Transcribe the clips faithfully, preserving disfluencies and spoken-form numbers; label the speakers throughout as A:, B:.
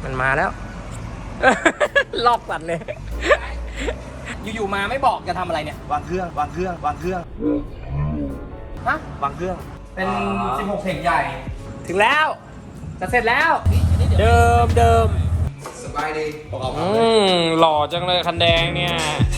A: มันมาแล้ว ลอกสัตว์เลย อยู่ๆมาไม่บอกจะทำอะไรเนี่ยว
B: างเครื่องวางเครื่องวางเครื่อง
A: ฮะ
B: วางเครื่อง
A: เป็นสิบหกเทคใหญ่ ถึงแล้ว จะเสร็จแล้ว เดิมเดิม
B: สบายดีประกอบ
A: อืมหล่อจังเลยคันแดงเนี่ย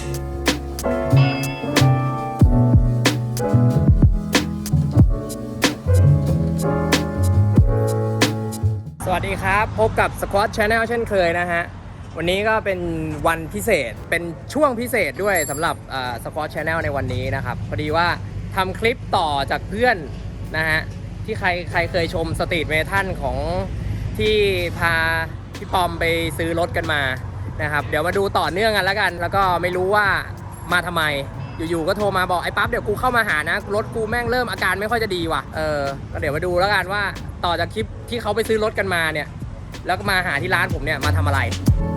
A: สวัสดีครับ พบกับ Squad Channel เช่นเคยนะฮะ วันนี้ก็เป็นวันพิเศษ เป็นช่วงพิเศษด้วยสำหรับ Squad Channel ในวันนี้นะครับ พอดีว่าทำคลิปต่อจากเพื่อนนะฮะ ที่ใครใครเคยชมสตรีทเมทัลของที่พาพี่ปอมไปซื้อรถกันมานะครับ เดี๋ยวมาดูต่อเนื่องกันแล้วกัน แล้วก็ไม่รู้ว่ามาทำไม อยู่ๆก็โทรมาบอกไอ้ปั๊บเดี๋ยวกูเข้ามาหานะรถกูแม่งเริ่มอาการไม่ค่อยจะดีว่ะเออก็เดี๋ยวมาดูแล้วกันว่าต่อจากคลิปที่เขาไปซื้อรถกันมาเนี่ยแล้วก็มาหาที่ร้านผมเนี่ยมาทำอะไร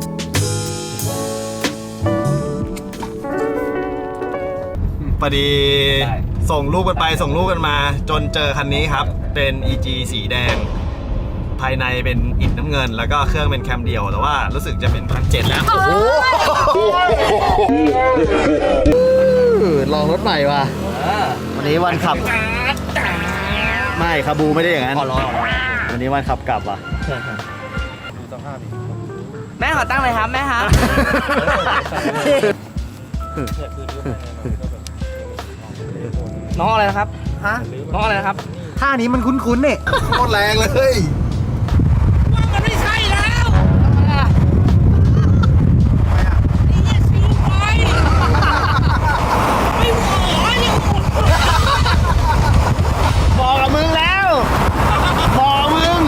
C: พอดีส่งลูกกันไปส่งลูกกันมาจนเจอคันนี้ครับเป็น อี จี สีแดงภายในเป็นอิฐน้ำเงินแล้วก็เครื่องเป็นแคมเดียวแต่ว่ารู้สึกจะเป็นพันเจ็ดแล้วโอ้โหลองรถใหม่ว่ะวันนี้วันขับไม่คาบูไม่ได้อย่างนั้นวันนี้วันขับกลับว่ะดูสภาพดิแม่ขอตั้งเลยครับแม่ครับ
A: น้องอะไรนะครับฮะน้องอะไรนะครับ
C: ท่านี้มันคุ้นๆเนี่ยโคตรแรงเลย
A: ว่ามันไม่ใช่แล้ว
C: บอกกับมึงแล้วบอกมึง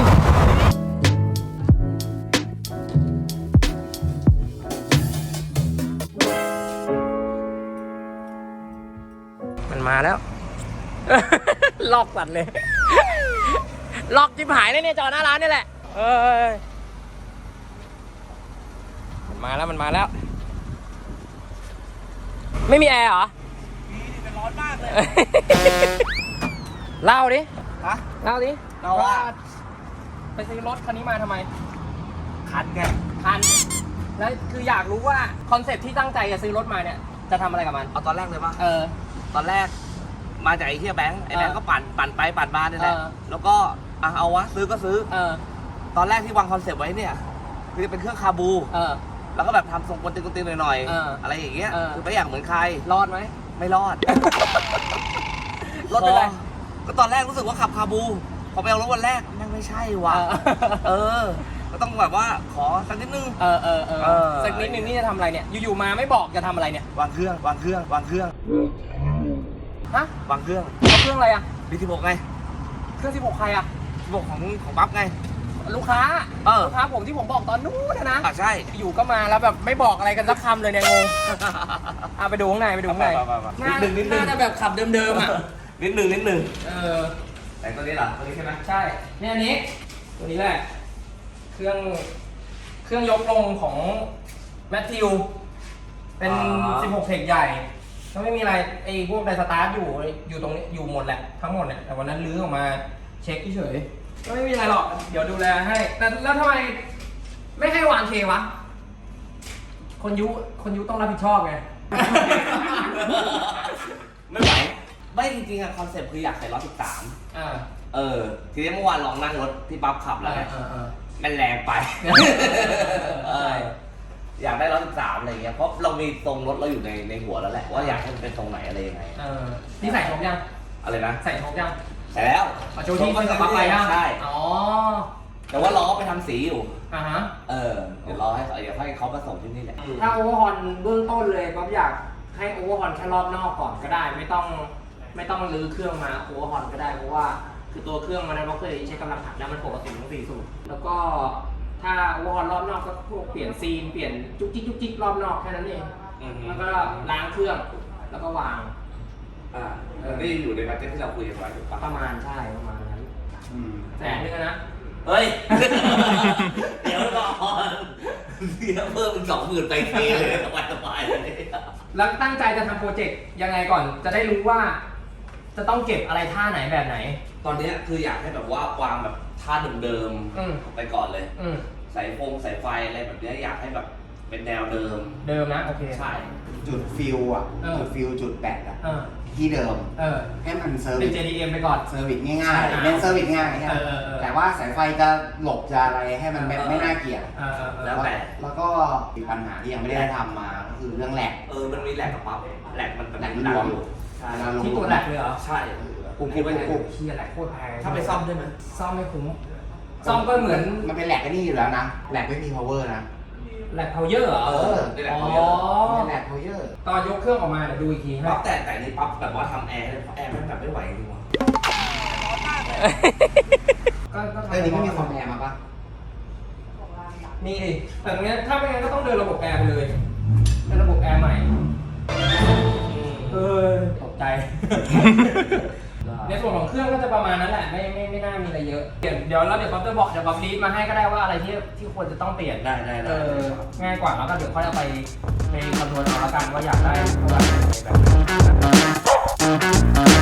A: มันมาแล้ว ลอกสัตว์เลย ลอกจิบหายเลยเนี่ยจอหน้าร้านนี่แหละเอ้ยมันมาแล้วมันมาแล้ว ไม่มีแอร์เหรอมีแต่ร้อนมากเลย เล่าดิ
B: ฮะ
A: เล่าดิ
B: เราว่า
A: ไปซื้อรถคันนี้มาทำไม
B: คันไง
A: คันแล้วคืออยากรู้ว่าคอนเซ็ปต์ที่ตั้งใจจะซื้อรถมาเนี่ยจะทำอะไรกับมัน
B: เอาตอนแรกเลยปะ
A: เออ
B: ตอนแรกมาจากไอ้เฮียแบงค์ไอ้แบงค์ก็ปั่นปั่นไปปั่นมาเนี่ยแหละ
A: เออ
B: แล้วก็อ่ะเอาวะซื้อก็ซื้อ
A: เออ
B: ตอนแรกที่วางคอนเซปต์ไว้เนี่ยคือเป็นเครื่องคาบู
A: เออ
B: แล้วก็แบบทำทรงกวนตีนกวนตีนหน่อย
A: เออ
B: ๆอะไรอย่างเงี้ย
A: เออ
B: คือไม่อยากเหมือนใคร
A: รอดไหม
B: ไม่รอด
A: รถเป็นไร
B: ก็ตอนแรกรู้สึกว่าขับคาบูพอไปเอารถวันแรกแม่งไม่ใช่ว่ะ
A: เออ
B: เออ ก็ต้องแบบว่าขอสักนิดนึง
A: เออเออเออ
B: เออ
A: สักนิดนึงนี่จะทำอะไรเนี่ยอยู่ๆมาไม่บอกจะทำอะไรเนี่ยว
B: างเครื่องวางเครื่องวางเครื่อง
A: ฮะ
B: วางเครื่อง
A: เอาเครื่องอะไรอ่ะ
B: บีสิบหกไง
A: เครื่องสิบหกใครอ่ะ
B: สิบหกของของปั๊บไง
A: ลูกค้า
B: เออ
A: ลูกค้าผมที่ผมบอกตอนนู้นนะนะ
B: อ่ะใช่
A: อยู่ก็มาแล้วแบบไม่บอกอะไรกันสักคำเลยเนี่ยงงเอาไปดูข้างในไปดูข้างใน
B: นิดนึงนิดนึง
A: น่าจะแบบขับเดิมๆอ่ะ
B: นิดนึงนิดนึง
A: เออ
B: แต่ตัวนี้เหรอตัวนี้ใช่ไหม
A: ใช่เนี่ยอันนี้ตัวนี้แหละเครื่องเครื่องยกลงของแมทธิวเป็นสิบหกเทคใหญ่ก็ไม่มีอะไรไอ้พวกไดสตาร์ทอยู่อยู่ตรงนี้อยู่หมดแหละทั้งหมดเนี่ยแต่วันนั้นลื้อออกมาเช็คเฉยก็ไม่มีอะไรหรอกเดี๋ยวดูแลให้แต่แล้วทำไมไม่ให้วางเควะคนยุคนยุต้องรับผิดชอบไง
B: ไม่ไหวไม่จริงๆอะคอนเซ็ปต์คืออยากใส่ร้อยสิบสาม
A: อ่า
B: เออทีนี้เมื่อวานลองนั่งรถที่ปั๊บขับแล้วไง
A: เออเออ
B: มันแรงไป เอออยากได้ร้อยสิบสามอะไรเงี้ยเพราะเรามีทรงรถเราอยู่ในในหัวแล้วแหละว่าอยากให้มันเป็นทรงไหนอะไรยังไง
A: เออนี่ใส่ชกยัง
B: อะไรนะ
A: ใส่ชกยัง
B: ใส่แล้ว
A: เอาโชว์ที่มันกับปั๊บไปยัง
B: ใช่
A: อ๋อ
B: แต่ว่าล้อไปทำสีอยู่
A: อ่าฮะ
B: เออเดี๋ยวรอให้เขาเดี๋ยวให้เขามาส่งที่นี่แหละ
A: ถ้าโอเวอร์ฮอลเบื้องต้นเลยป๊อปอยากให้โอเวอร์ฮอลแค่รอบนอกก่อนก็ได้ ไม่ต้องไม่ต้องรื้อเครื่องมาโอเวอร์ฮอลก็ได้เพราะว่าคือตัวเครื่องมันนั้นเราเคยใช้กำลังหัดแล้วมันปกติทั้งสี่สูบแล้วก็ถ้าโอเวอร์ฮอลรอบนอกก็พวกเปลี่ยนซีนเปลี่ยนจุกจิกจุกจิกรอบนอกแค่นั้นเองแล้วก็ล้างเครื่องแล้วก็วาง
B: อ่านี่อยู่ในบัตเจ็ตที่เราคุยกันไว้ถูกปะ
A: ประมาณใช่ประมาณนั้นแสนนึงนะ
B: เฮ้ย เดี๋ยวก่อนเดี๋ยวเพิ่มเป็นสองหมื่นไปเทเลยสบายสบายเลย
A: แล้วตั้งใจจะทำโปรเจกต์ยังไงก่อนจะได้รู้ว่า จะต้องเก็บอะไรท่าไหนแบบไหน
B: ตอนนี้คืออยากให้แบบว่าวางแบบท่าเดิม
A: อืม
B: ๆไปก่อนเลย
A: อืม
B: สายฟงสายไฟอะไรแบบเนี้ยอยากให้แบบเป็นแนวเดิม
A: เดิมนะโอเค
B: ใช่
D: จุดฟิลอ่ะ
A: เออ
D: จุดฟิลจุดแบตอ่ะ
A: เออ
D: ที่เดิม
A: เออ
D: ให้มันเซอร์
A: เป็
D: วิ
A: น
D: ส
A: เจ ดี เอ็ม ไปก่อน
D: เซอร์วิสง่าย
A: ใช่
D: ๆเน้นเซอร์วิสง่ายใช่ไหม
A: เออเออเออ
D: แต่ว่าสายไฟจะหลบจะอะไรให้มันไม่
B: เออ
D: ไม่น่าเกลียด
A: เออเออเออ
B: แล้วแต่
D: แล้วก็มีปัญหาที่ยังไม่ได้ทำมาก็คือเรื่องแหลก
B: เออมันมีแหลกกับปั๊บแหลกมัน
D: แหลกมัน
B: ดั
D: รวม
B: อยู่ใช่
D: เวลาลง
A: ที่ตัวแหลกเลยเหรอ
B: ใช่
D: ปุ๊บ
B: คิด
D: ปุ๊บ
B: ว่า
D: ปุ๊บ
A: เฮียแหลกโคตรแพง
B: ถ้าไปซ่อมได้ไหม
A: ซ่อมไม่คุ้มซ่อมก็เหมือน
D: มันเป็นแหลกก็นี่อยู่แล้วนะแหลกไม่มี power นะ
A: แหลกเพาเยอร์เหรอ
D: เออ
B: ได้แหลก
A: อ๋อ
B: เขาเยอะ
D: เป็นแหลก power
A: ตอนยกเครื่องออกมาเดี๋ยวดูอีกทีให้
B: ปั๊บแต่แต่นี่ปั๊บแบบว่าทำแอร์ให้แอร์มันแบบไม่ไหวจริงว่ะ
A: ก็ก็
D: เออนี่ไม่มีคอมแอร์มาปะ
A: มีดิแต่ตรงเนี้ยถ้าไม่งั้นก็ต้องเดินระบบแอร์ไปเลยเป็นระบบแอร์ใหม่เออตกใจ ในส่วนของเครื่องก็จะประมาณนั้นแหละไม่ไม่ไม่น่ามีอะไรเยอะเดี๋ยวเดี๋ยวเราเดี๋ยวป๊อปจะบอกเดี๋ยวป๊อปลีดมาให้ก็ได้ว่าอะไรที่ที่ควรจะต้องเปลี่ยน
B: ได้ได้
A: เอ
B: ได้
A: อง่ายกว่าแล้วก็เดี๋ยวค่อยเอาไปไปคำนวณเอาละกันว่าอยากได้เท่าไหร่อะไรแบบนั้น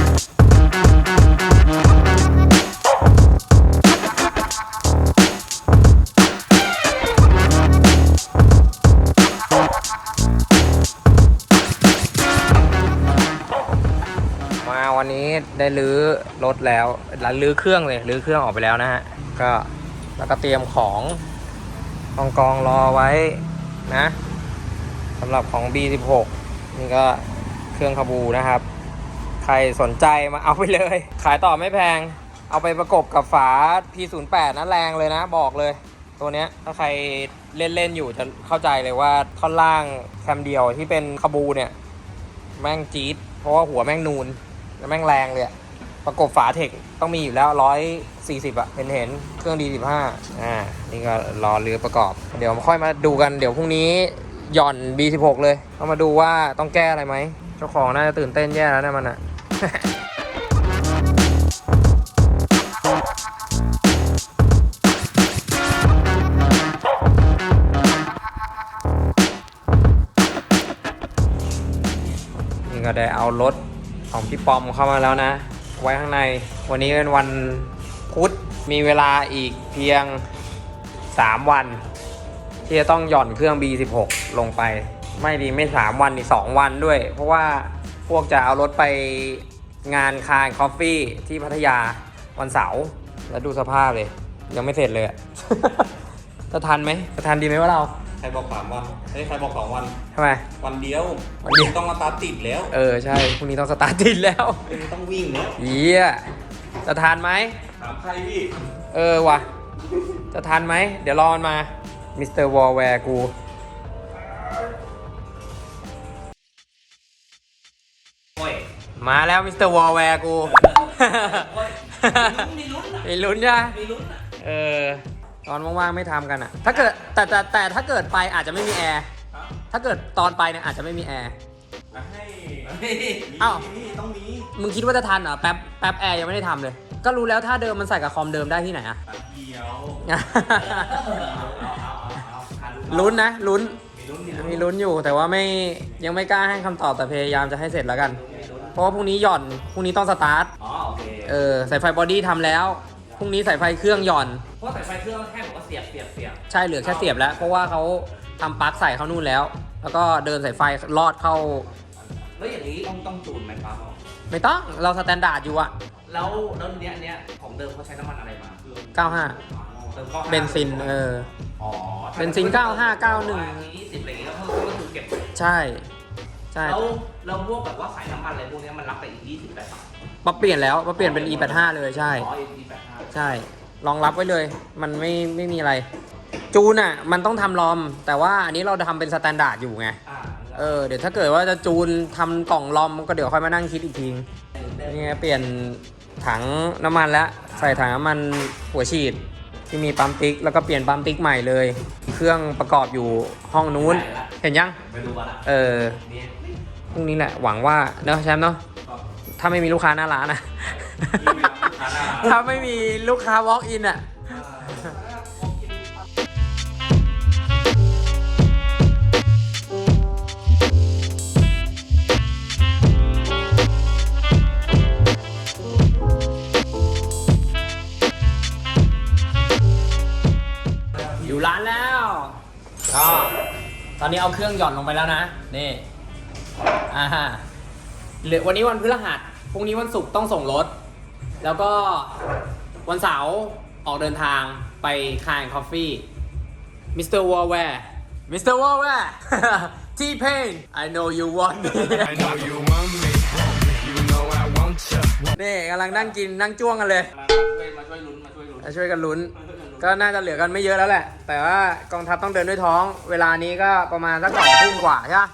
A: มาวันนี้ได้รื้อรถแล้วแล้วรื้อเครื่องเลยรื้อเครื่องออกไปแล้วนะฮะก็แล้วก็เตรียมของกองกองรอไว้นะสำหรับของ บี สิบหก นี่ก็เครื่องคาบูนะครับ ใครสนใจมาเอาไปเลย ขายต่อไม่แพงเอาไปประกบกับฝา พี ศูนย์แปด นะแรงเลยนะบอกเลยตัวเนี้ยถ้าใครเล่นๆอยู่จะเข้าใจเลยว่าท่อนล่างแคมเดียวที่เป็นคาบูเนี่ยแม่งจี๊ดเพราะว่าหัวแม่งนูนแล้วแม่งแรงเลยอะประกบฝาเทคต้องมีอยู่แล้วร้อยสี่สิบอะเห็นเห็นเครื่อง ดี สิบห้า อ่านี่ก็รอเรือประกอบ เดี๋ยวค่อยมาดูกันเดี๋ยวพรุ่งนี้หย่อน บี สิบหก เลยเอามาดูว่าต้องแก้อะไรไหมเจ้าของน่าจะตื่นเต้นแย่แล้วนะมันอะ นี่ก็ได้เอารถของพี่ปอมเข้ามาแล้วนะ ไว้ข้างในวันนี้เป็นวันพุธมีเวลาอีกเพียงสามวัน ที่จะต้องหย่อนเครื่อง บี สิบหก ลงไปไม่ดีไม่สามวันนี่สองวันด้วย เพราะว่าพวกจะเอารถไปงานคาร์คอฟฟี่ที่พัทยาวันเสาร์แล้วดูสภาพเลย ยังไม่เสร็จเลยอะ จะทันไหมจะทันดีไหมว่าเรา
C: ใครบอกสามวันเฮ้ยใครบอกสองวัน
A: ทำไม
C: วันเดียว
A: วันเดียว
C: ต้องมาตาติดแล้ว
A: เออใช่พรุ่งนี้ต้องสตาร์ทติดแล้ว
C: วันนี้ต้องวิ่งแล้ว
A: เยี่ยจะทันไหม
C: ถามใครพี่
A: เออว่ะ จะทันไหม เดี๋ยวรอมันมา มิสเตอร์วอลแวร์กู
B: โอ้ย
A: มาแล้วมิสเตอร์วอลแวร์กู
B: โอ้ยมีลุ้นอะ
A: มีลุ้นใช่ไหม
B: มีลุ้นอะ
A: เออ ตอนว่างๆไม่ทำกันอ่ะ ถ้าเกิดแต่แต่แต่ถ้าเกิดไปอาจจะไม่มีแอร์ ถ้าเกิดตอนไปเนี่ยอาจจะไม่มีแอร์
C: ให้
A: อ้าว
C: นี่ต้องมี
A: มึงคิดว่าจะทันเหรอแป๊บแป๊บแอร์ยังไม่ได้ทำเลย ก็รู้แล้วถ้าเดิมมันใส่กับคอมเดิมได้ที่ไหนอ่ะ
C: ตัดเดียว
B: เอาเอาเอาเอาเอา
A: ลุ้นนะลุ้น
B: มีลุ้นมีลุ้น
A: มีลุ้นอยู่แต่ว่าไม่ยังไม่กล้าให้คำตอบแต่พยายามจะให้เสร็จแล้วกัน เพราะว่าพรุ่งนี้หย่อนพรุ่งนี้ต้องสตาร์ท
B: อ๋อโอเค
A: เออสายไฟบอดี้ทำแล้วพรุ่งนี้สายไฟเครื่องหย่อน
B: เพราะสายไฟเครื่องแค่บอกว่าเสียบเสียบเสียบ
A: ใช่เหลือแค่เสียบแล้ว เพราะว่าเขาทำปลั๊กใส่เข้านู่นแล้ว แล้วก็เดินสายไฟลอดเข้า
B: แล้วอย่างนี้ต้องต้องจูนไหมปั๊บ
A: ไม่ต้องเราสแตนดาร์ดอยู่อะ
B: แล้วแล้วเนี้ยเนี้ยของเดิมเขาใช้น้ำมันอะไรมา
A: เก้าห้า
B: เติมข้อห้า
A: เบนซินเออ
B: อ๋อ
A: เบนซินเก้าห้าเก้าหนึ่ง
B: ยี่สิบอะไรอย่างเงี้ยก็ก็คือเก็บไว้
A: ใช่ใช่
B: แล้วแล้วพวกแบบว่าสายน้ำมันอะไรพวกเนี้ยมันรับไปอีกยี่สิบได้ปะ
A: ปรับเปลี่ยนแล้วปรับเปลี่ยนเป็น อี แปดสิบห้า เลยใช่
B: อ๋อ อี แปดสิบห้า
A: ใช่รองรับไว้เลย มันไม่ไม่มีอะไร จูนอ่ะมันต้องทำลอม แต่ว่าอันนี้เราทำเป็นสแตนดาร์ดอยู่ไง
B: อ่า
A: เออเดี๋ยวถ้าเกิดว่าจะจูนทำกล่องลอมก็เดี๋ยวค่อยมานั่งคิดอีกทีนี่ไงเปลี่ยนถังน้ำมันแล้วใส่ถังน้ำมันหัวฉีดที่มีปั๊มติ๊กแล้วก็เปลี่ยนปั๊มติ๊กใหม่เลย เครื่องประกอบอยู่ห้องนู้น เห็นยัง
B: ไม่รู้ว่าละ
A: เออ
B: เนี่ย
A: พรุ่งนี้แหละหวังว่าเนอะแชมป์เนาะถ้าไม่มีลูกค้าหน้าร้านนะ ถ้าไม่มีลูกค้า walk in อ่ะ อยู่ร้านแรก็ตอนนี้เอาเครื่องหย่อนลงไปแล้วนะนี่อ่าฮะเหลือวันนี้วันพฤหัสพรุ่งนี้วันศุกร์ต้องส่งรถแล้วก็วันเสาร์ออกเดินทางไปคายคอฟฟี่มิสเตอร์วอลแวร์มิสเตอร์วอลแวร์ T-Pain I know you want me
E: I know you want me. You know I want you.
A: นี่กำลังนั่งกินนั่งจ้วงกันเลย
B: มาช่วยลุ้นมาช่วยลุ้น
A: มาช่วยกันลุ้น ก็น่าจะเหลือกันไม่เยอะแล้วแหละ แต่ว่ากองทัพต้องเดินด้วยท้อง เวลานี้ก็ประมาณสักสองทุ่มกว่าใช่ไหม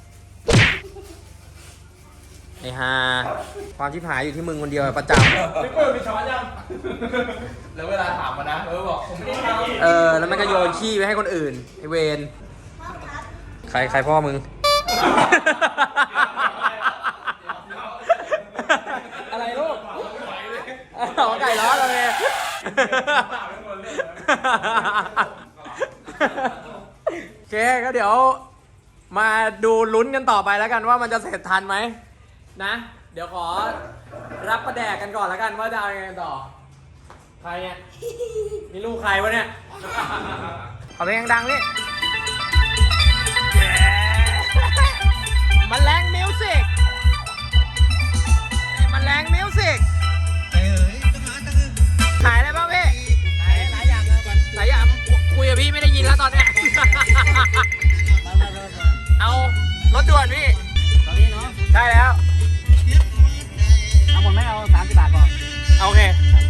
A: ไอ้ห่าความชิบหายอยู่ที่มึงคนเดียวประจำ
B: พี่เปิ้ลมีช้อนยังแล้วเวลาถามมานะเออบอกผมไม่ได้ทำ
A: เออ แล้วมันก็โยนขี้ไปให้คนอื่น ไอเวนใครใครพ่อมึง อะไรลูกเอาไก่ร้อนเลยโอเคก็เดี๋ยวมาดูลุ้นกันต่อไปแล้วกันว่ามันจะเสร็จทันไหมนะ เดี๋ยวขอรับประแดกกันก่อนแล้วกันว่าจะเอายังไงต่อ ใครเนี่ยนี่ลูกใครวะเนี่ยเอาเพลงดังนี่มันแรงมิวสิกมันแรงมิวสิกขายอะไรบ้างพี่ขายหลายอย่างเลยหลายอย่างคุยกับพี่ไม่ได้ยินแล้วตอนเนี้ยเอารถด่วนพี่ตอนนี้เนาะใช่แล้วเอาหมดไหมเอาสามสิบบาทพอโอเค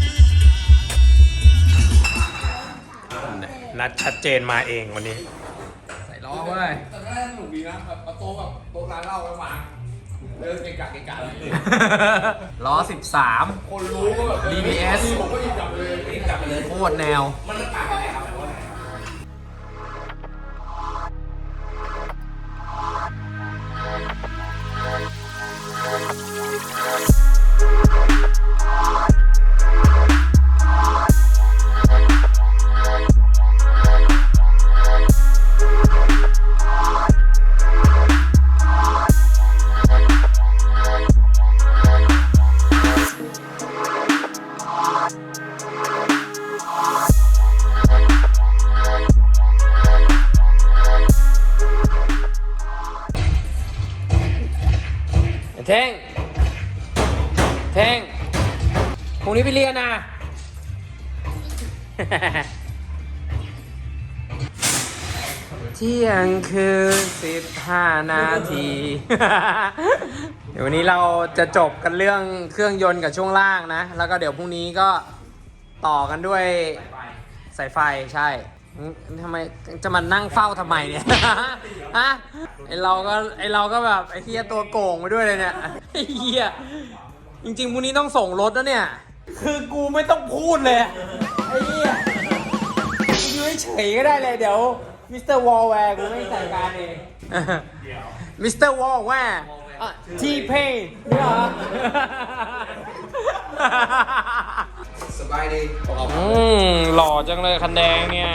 A: นัดชัดเจนมาเองวันนี้ใส่ล้อเว้ย
B: แต่ก็สนุกดีนะแบบโต๊ะแบบโต๊ะร้านเหล้าไปวางเดินเกะกะเกะกะเลย
A: ล้อสิบสาม
B: คนรู้ก็แบบ
A: ดี บี เอส
B: ผมก็หยิบจับเลยหยิบจับไปเลย
A: โคตรแนว
B: มันต่างกันไหนครับแบบว่า
A: เท่งเท่งพรุ่งนี้ไปเรียนนะ เที่ยงคืนสิบห้านาที เดี๋ยววันนี้เราจะจบกันเรื่องเครื่องยนต์กับช่วงล่างนะ แล้วก็เดี๋ยวพรุ่งนี้ก็ต่อกันด้วยสายไฟใช่ทำไมจะมานั่งเฝ้าทำไมเนี่ย ฮะไอเราก็ไอเราก็แบบไอเฮียตัวโก่งไปด้วยเลยเนี่ยไอเฮียจริงๆพรุ่งนี้ต้องส่งรถนะเนี่ยคือกูไม่ต้องพูดเลยไอเฮียกูอยู่เฉยๆก็ได้เลยเดี๋ยวมิสเตอร์วอลแวร์กูไม่จัดการเองมิสเตอร์วอลแวร์ทีเพย์นี่เหรอ
D: สบายดี
A: อืมหล่อจังเลยคันแดงเนี่ย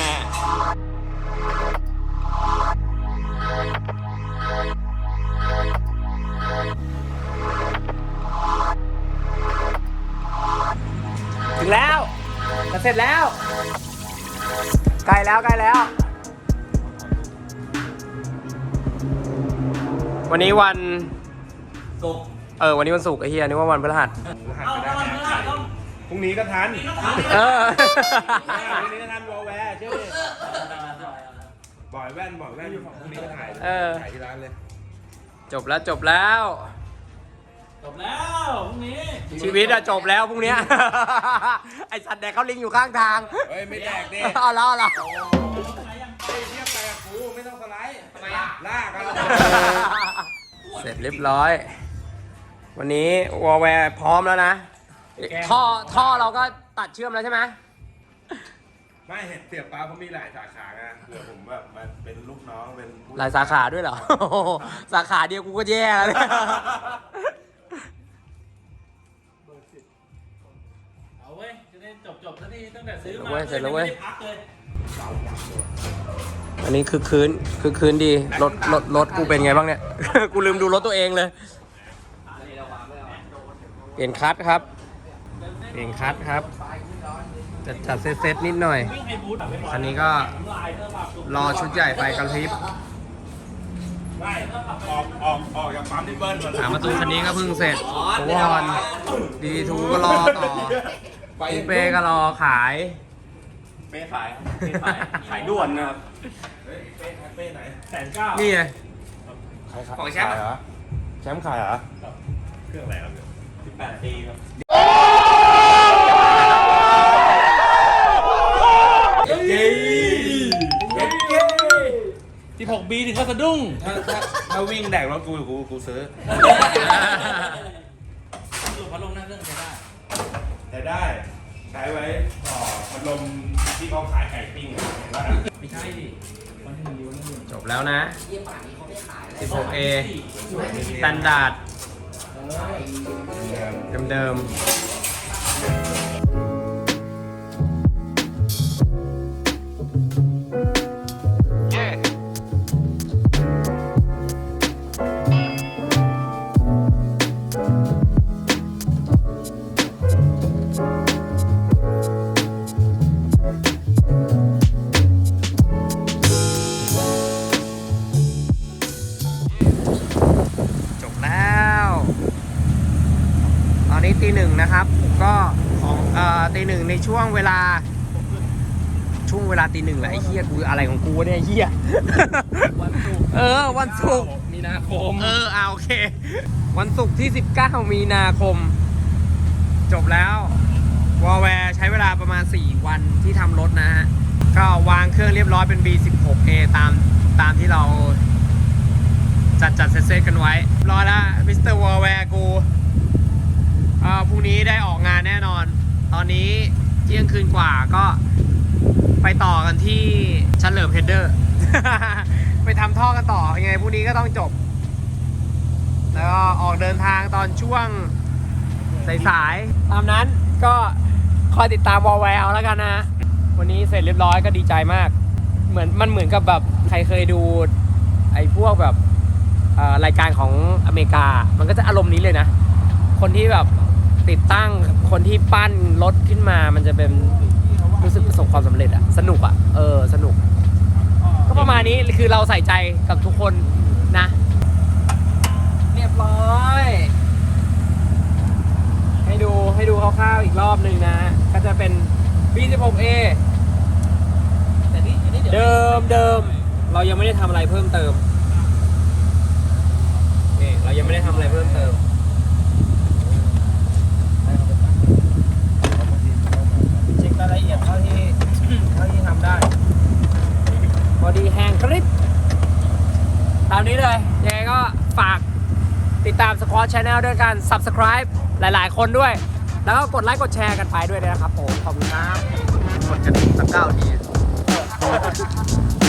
A: ถึงแล้วจะเสร็จแล้วใกล้แล้วใกล้แล้ววันนี้วัน
B: ศุกร์
A: เออวันนี้วันศุกร์ไอ้เฮียนึกว่าวันพฤหัส
B: เอาถ้าวันพฤหัสต้อง
E: พรุ่งนี้ก็ทัน
A: เออ
E: พรุ่งนี้ก็ทันวอลแวร์เชื่อดิบ่อยแว่นบ่อยแว่นพรุ่งนี้ก็ถ่าย
A: เออ
E: ถ่ายที่ร้านเลย
A: จบแล้วจบแล้ว
B: จบแล้วพรุ่งนี้
A: ชีวิตอะจบแล้วพรุ่งเนี้ย ไอสัตว์แดกเขาลิงอยู่ข้างทาง
E: เฮ้ยไม่แดกดิ
A: เอาแล้วเอาแล้ว
E: เฮ้ยเทียบไปกับกูไม่ต้องสไลด์ทำไมอ่ะลากกัน
A: เสร็จเรียบร้อย วันนี้วอลแวร์พร้อมแล้วนะ ท่อท่อเราก็ตัดเชื่อมแล้วใช่ไหม
E: ไม่เห็นเสียบปลาเขามีหลายสาขาไงเผื่อผมแบบมาเป็นลูกน้องเป็นผู้
A: หลายสาขาด้วยเหรอ สาขาเดียวกูก็แย่แล้วเนี่ย
B: เอาเว้ยจะได้จบจบๆซะทีตั้งแต่ซื้อมา
A: เว้ยเสร็จแล้วเว้ย
B: ไม่ได้พักเลย
A: อันนี้คือคืนคือคืนดีรถรถรถกูเป็นไงบ้างเนี่ย กูลืมดูรถตัวเองเลย เปลี่ยนคัทครับ เปลี่ยนคัทครับ ใจจัดจัดเซตเซตนิดหน่อย คันนี้ก็รอชุดใหญ่ไปกระพริบ
E: ไม่ออกออกออกจากปั๊มที่เบิ้ลก่อน
A: หาประตูคันนี้ก็เพิ่งเสร็จโอวอนดีทูก็รอต่อคูเป้ก็รอขาย
E: เป้ขายเป้ขายขายด่วนนะครับเฮ้ยเป้เป้ไหนแสนเก้า
A: นี่ไง
E: ของแชมป์เหรอแชมป์ขายเหรอเครื่องอะไรครับสิบแปดปีครับเย้เย้เย้
F: สิบหกบีถึงก็สะดุ้ง
E: ถ้าถ้าถ้าวิ่งแดกรถกูกูกูซื้อ
F: ดูพัดลมนั่งเครื่องใช้ได้
E: แต่ได้ใช้ไว้ต่อพัดลมที่เขาขายไก่ปิ้งเห็นป่ะ
F: ไม่ใช่ดิวันที่หนึ่งดีวันที่หนึ่ง
A: จบแล้วนะ สิบหกเอ สแตนดาร์ดเดิมๆ จบแล้ว ตอนนี้ตีหนึ่งนะครับ ก็ของเอ่อตีหนึ่งในช่วงเวลา ช่วงเวลาตีหนึ่งแหละไอ้เหี้ยกูอะไรของกูเนี่ยไอ้เหี้ย
F: วันศุกร์
A: เออ วันศุกร์
F: มีนาคม
A: เออเอาโอเค วันศุกร์ที่ สิบเก้า มีนาคม จบแล้ววอลแวร์ใช้เวลาประมาณ สี่ วันที่ทำรถนะฮะ ก็วางเครื่องเรียบร้อยเป็น บี สิบหกเอ ตามตามที่เรา จัดจัดเซตๆกันไว้ รอแล้วมิสเตอร์วอลแวร์กูเอ่อพรุ่งนี้ได้ออกงานแน่นอน ตอนนี้เที่ยงคืนกว่าก็ไปต่อกันที่เฉลิมเฮดเดอร์ ไปทำท่อกันต่อยังไงพรุ่งนี้ก็ต้องจบ แล้วก็ออกเดินทางตอนช่วงสายๆตามนั้นก็คอยติดตามวอลแวร์เอาแล้วกันนะ วันนี้เสร็จเรียบร้อยก็ดีใจมาก เหมือนมันเหมือนกับแบบใครเคยดูไอ้พวกแบบเอ่อรายการของอเมริกา มันก็จะอารมณ์นี้เลยนะ คนที่แบบติดตั้งคนที่ปั้นรถขึ้นมามันจะเป็นรู้สึกประสบความสำเร็จอะสนุกอะเออสนุก ก็ประมาณนี้คือเราใส่ใจกับทุกคนนะ เรียบร้อย ให้ดูให้ดูคร่าวๆอีกรอบหนึ่งนะ ก็จะเป็น บี สิบหกเอ
F: แต่นี่อันนี้เดี๋ยว
A: เดิมเดิมเรายังไม่ได้ทำอะไรเพิ่มเติมนี่เรายังไม่ได้ทำอะไรเพิ่มเติมเช็ครายละเอียดเท่าที่ เท่าที่ทำได้บอดี้แห้งกริบตามนี้เลยยังไงก็ฝากติดตาม Squad Channel ด้วยกัน Subscribe หลายๆคนด้วย แล้วก็กดไลค์กดแชร์กันไปด้วยนะครับผมขอบคุณครับกดกระดิ่งสักเก้าที